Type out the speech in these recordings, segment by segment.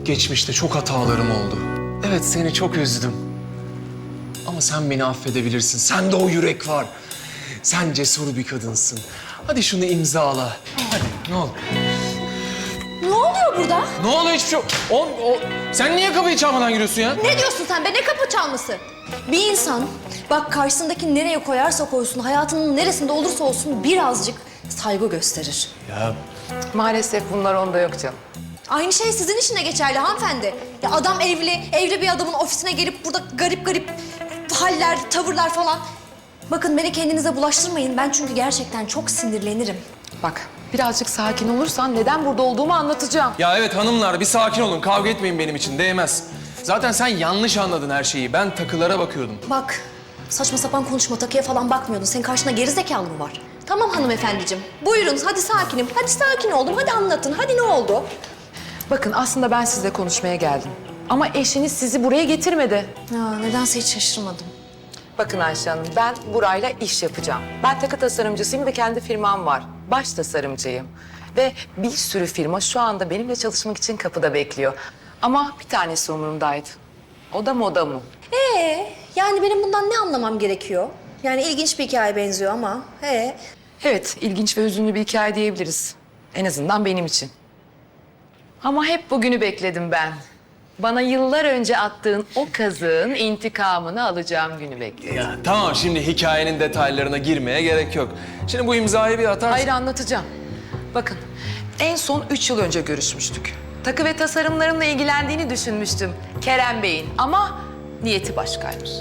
geçmişte çok hatalarım oldu. Evet, seni çok üzdüm. Ama sen beni affedebilirsin. Sende o yürek var. Sen cesur bir kadınsın. Hadi şunu imzala. Hadi, ne olur. Ne oluyor burada? Ne oluyor hiçbir şey? Sen niye kapıyı çalmadan giriyorsun ya? Ne diyorsun sen be? Ne kapı çalması? Bir insan bak karşısındaki nereye koyarsa koysun, hayatının neresinde olursa olsun birazcık saygı gösterir. Ya Maalesef bunlar onda yok canım. Aynı şey sizin için de geçerli hanımefendi. Ya adam evli bir adamın ofisine gelip burada garip garip haller, tavırlar falan. Bakın beni kendinize bulaştırmayın. Ben çünkü gerçekten çok sinirlenirim. Bak birazcık sakin olursan neden burada olduğumu anlatacağım. Ya evet hanımlar, bir sakin olun. Kavga etmeyin benim için, değmez. Zaten sen yanlış anladın her şeyi. Ben takılara bakıyordum. Bak saçma sapan konuşma, takıya falan bakmıyordun. Senin karşında geri zekalı mı var? Tamam hanımefendiciğim. Buyurun hadi sakinim. Hadi sakin oldum. Hadi anlatın. Hadi ne oldu? Bakın aslında ben sizle konuşmaya geldim. Ama eşiniz sizi buraya getirmedi. Ya nedense hiç şaşırmadım. Bakın Ayşe Hanım, ben burayla iş yapacağım. Ben takı tasarımcısıyım ve kendi firmam var. Baş tasarımcıyım. Ve bir sürü firma şu anda benimle çalışmak için kapıda bekliyor. Ama bir tanesi umurumdaydı. O da Moda Mu. Yani benim bundan ne anlamam gerekiyor? Yani ilginç bir hikaye benziyor ama. Evet, ilginç ve hüzünlü bir hikaye diyebiliriz. En azından benim için. Ama hep bugünü bekledim ben. Bana yıllar önce attığın o kazığın intikamını alacağım günü bekledim. Ya tamam, şimdi hikayenin detaylarına girmeye gerek yok. Şimdi bu imzayı bir atarsın. Hayır, anlatacağım. Bakın, en son 3 yıl önce görüşmüştük. Takı ve tasarımlarımla ilgilendiğini düşünmüştüm Kerem Bey'in ama niyeti başkaymış.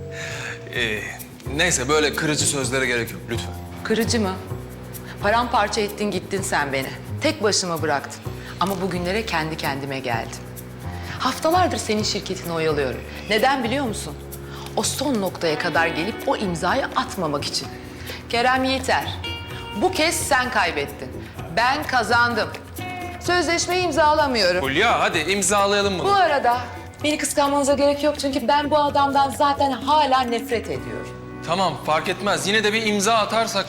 Neyse, böyle kırıcı sözlere gerek yok lütfen. Kırıcı mı? Paramparça ettin gittin sen beni. Tek başıma bıraktın. Ama bugünlere kendi kendime geldim. Haftalardır senin şirketini oyalıyorum. Neden biliyor musun? O son noktaya kadar gelip o imzayı atmamak için. Kerem Yiğiter, bu kez sen kaybettin. Ben kazandım. Sözleşmeyi imzalamıyorum. Hulya, hadi imzalayalım Bu bunu. arada beni kıskanmanıza gerek yok çünkü ben bu adamdan zaten hala nefret ediyorum. Tamam, fark etmez. Yine de bir imza atarsak...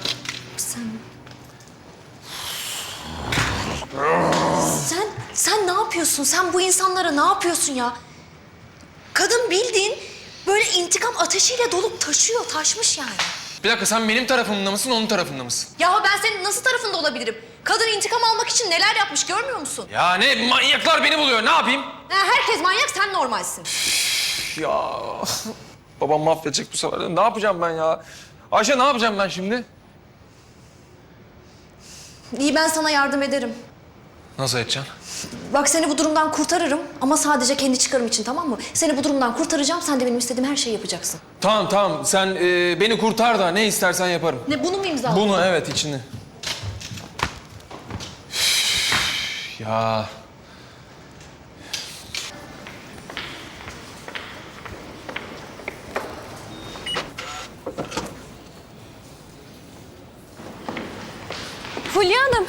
Sen ne yapıyorsun? Sen bu insanlara ne yapıyorsun ya? Kadın bildiğin böyle intikam ateşiyle dolup taşmış yani. Bir dakika, sen benim tarafımda mısın, onun tarafında mısın? Ya ben senin nasıl tarafında olabilirim? Kadın intikam almak için neler yapmış görmüyor musun? Ya ne, manyaklar beni buluyor, ne yapayım? Herkes manyak, sen normalsin. Ya babam mahvedecek bu sefer. Ne yapacağım ben ya? Ayşe, ne yapacağım ben şimdi? İyi, ben sana yardım ederim. Nasıl edeceksin? Bak seni bu durumdan kurtarırım ama sadece kendi çıkarım için, tamam mı? Seni bu durumdan kurtaracağım, sen de benim istediğim her şeyi yapacaksın. Tamam, sen beni kurtar da ne istersen yaparım. Ne, bunu mu imzaladın? Bunu, evet, içini. Üf, ya... Fulya Hanım.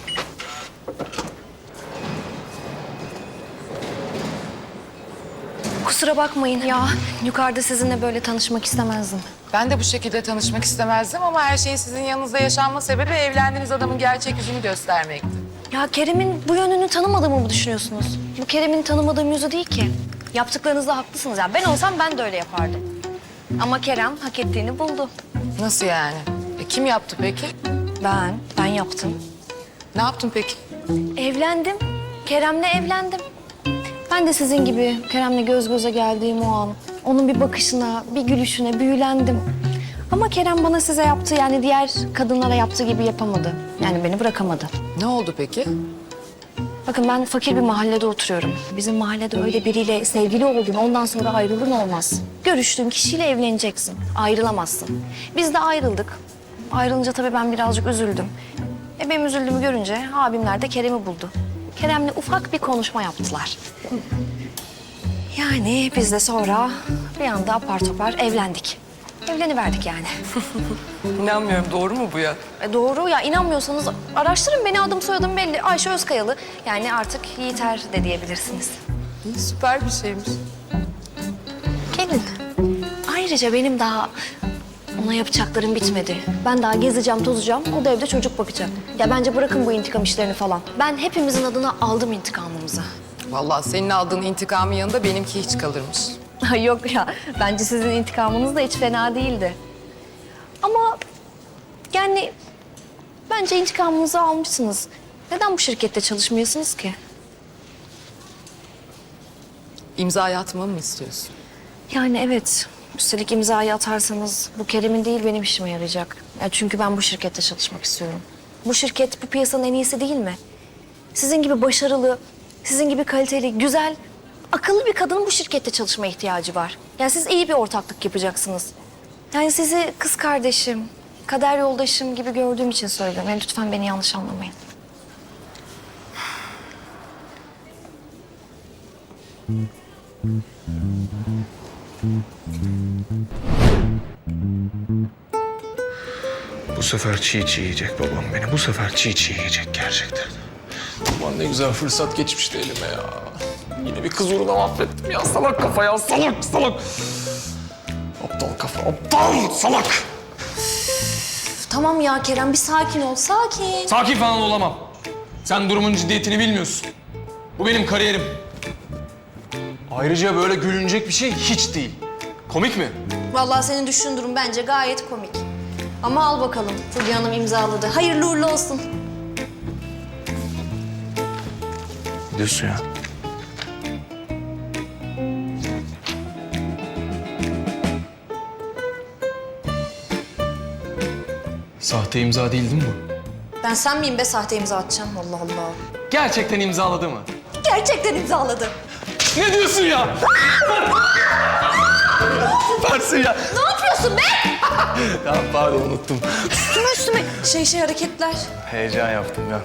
Kusura bakmayın ya. Yukarıda sizinle böyle tanışmak istemezdim. Ben de bu şekilde tanışmak istemezdim ama her şeyin sizin yanınızda yaşanma sebebi evlendiğiniz adamın gerçek yüzünü göstermekti. Ya Kerem'in bu yönünü tanımadığımı mı düşünüyorsunuz? Bu Kerem'in tanımadığım yüzü değil ki. Yaptıklarınızda haklısınız. Yani ben olsam ben de öyle yapardım. Ama Kerem hak ettiğini buldu. Nasıl yani? Kim yaptı peki? Ben yaptım. Ne yaptın peki? Evlendim. Kerem'le evlendim. Ben de sizin gibi Kerem'le göz göze geldiğim o an, onun bir bakışına, bir gülüşüne büyülendim. Ama Kerem bana size yaptığı, yani diğer kadınlara yaptığı gibi yapamadı. Yani beni bırakamadı. Ne oldu peki? Bakın ben fakir bir mahallede oturuyorum. Bizim mahallede öyle biriyle sevgili oldun, ondan sonra ayrılığın olmaz. Görüştüğün kişiyle evleneceksin, ayrılamazsın. Biz de ayrıldık. Ayrılınca tabii ben birazcık üzüldüm. Benim üzüldüğümü görünce abimler de Kerem'i buldu. Kerem'le ufak bir konuşma yaptılar. Yani biz de sonra bir anda apar topar evlendik. Evleniverdik yani. İnanmıyorum, doğru mu bu ya? Doğru ya, inanmıyorsanız araştırın beni, adım soyadım belli. Ayşe Özkayalı. Yani artık Yiğiter de diyebilirsiniz. Süper bir şeymiş. Gelin. Ayrıca benim daha ona yapacaklarım bitmedi. Ben daha gezeceğim, tozacağım. O da evde çocuk bakacak. Ya bence bırakın bu intikam işlerini falan. Ben hepimizin adına aldım intikamımızı. Vallahi senin aldığın intikamın yanında benimki hiç kalırmış. Ay yok ya, bence sizin intikamınız da hiç fena değildi. Ama yani bence intikamınızı almışsınız. Neden bu şirkette çalışmıyorsunuz ki? İmzayı atmamı mı istiyorsun? Yani evet, üstelik imzayı atarsanız bu Kerem'in değil benim işime yarayacak. Ya çünkü ben bu şirkette çalışmak istiyorum. Bu şirket bu piyasanın en iyisi değil mi? Sizin gibi başarılı, sizin gibi kaliteli, güzel, akıllı bir kadının bu şirkette çalışmaya ihtiyacı var. Yani siz iyi bir ortaklık yapacaksınız. Yani sizi kız kardeşim, kader yoldaşım gibi gördüğüm için söylüyorum. Yani lütfen beni yanlış anlamayın. Bu sefer çiğ çiğ yiyecek babam beni. Bu sefer çiğ çiğ yiyecek gerçekten. Aman ne güzel fırsat geçmişti elime ya. Yine bir kız uğruna mahvettim ya. Salak kafa ya, salak salak. Aptal kafa, aptal salak. Tamam ya Kerem, bir sakin ol, sakin. Sakin falan olamam. Sen durumun ciddiyetini bilmiyorsun. Bu benim kariyerim. Ayrıca böyle gülünecek bir şey hiç değil. Komik mi? Vallahi senin düşündüğün durum bence gayet komik. Ama al bakalım, Fulya Hanım imzaladı. Hayırlı uğurlu olsun. Ne diyorsun ya? Sahte imza değil mi bu? Ben sen miyim be sahte imza atacağım? Allah Allah. Gerçekten imzaladı mı? Gerçekten imzaladı. Ne diyorsun ya? Varsın ya. Ne yapıyorsun be? Ya pardon unuttum. Üstüme şey hareketler. Heyecan yaptım ya.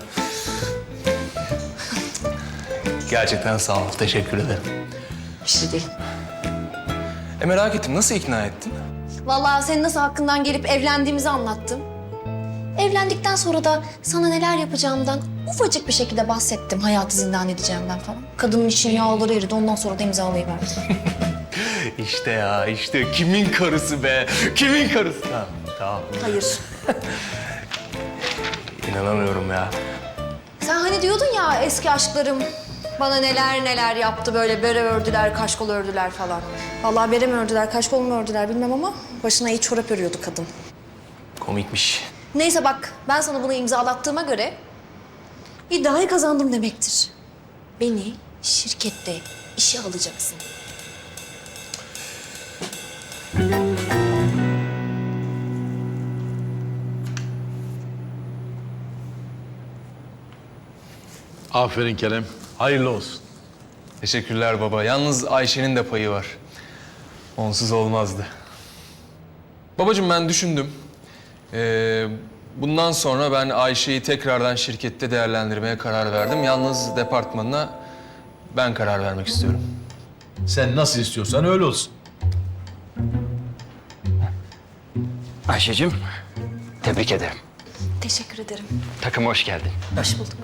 Gerçekten sağ ol. Teşekkür ederim. Bir şey değil. Merak ettim. Nasıl ikna ettin? Vallahi senin nasıl hakkından gelip evlendiğimizi anlattım. Evlendikten sonra da sana neler yapacağımdan ufacık bir şekilde bahsettim. Hayatı zindan edeceğimden falan. Kadının için yağları eridi. Ondan sonra da imzalayıverdi. İşte ya, işte kimin karısı be? Kimin karısı? Tamam, tamam. Hayır. İnanamıyorum ya. Sen hani diyordun ya eski aşklarım bana neler neler yaptı, böyle bere ördüler, kaşkol ördüler falan. Vallahi bere mi ördüler, kaşkol mu ördüler bilmem ama başına iyi çorap örüyordu kadın. Komikmiş. Neyse bak, ben sana bunu imzalattığıma göre iddiayı kazandım demektir. Beni şirkette işe alacaksın. Aferin Kerem. Hayırlı olsun. Teşekkürler baba. Yalnız Ayşe'nin de payı var. Onsuz olmazdı. Babacığım ben düşündüm. Bundan sonra ben Ayşe'yi tekrardan şirkette değerlendirmeye karar verdim. Yalnız departmanına ben karar vermek istiyorum. Sen nasıl istiyorsan öyle olsun. Ayşe'cim, tebrik ederim. Teşekkür ederim. Takıma hoş geldin. Hoş bulduk.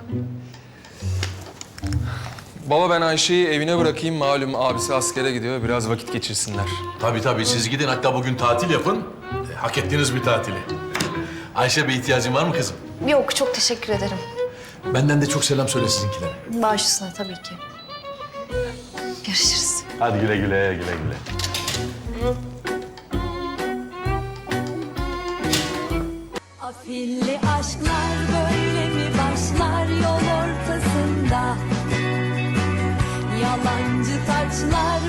Baba ben Ayşe'yi evine bırakayım. Malum abisi askere gidiyor. Biraz vakit geçirsinler. Tabii siz gidin, hatta bugün tatil yapın. Hak ettiğiniz bir tatili. Ayşe, bir ihtiyacın var mı kızım? Yok, çok teşekkür ederim. Benden de çok selam söyle sizinkilere. Baş üstüne tabii ki. Görüşürüz. Hadi güle güle, güle güle. Afilli aşklar böyle mi başlar yol ortasında? Yalancı taçlar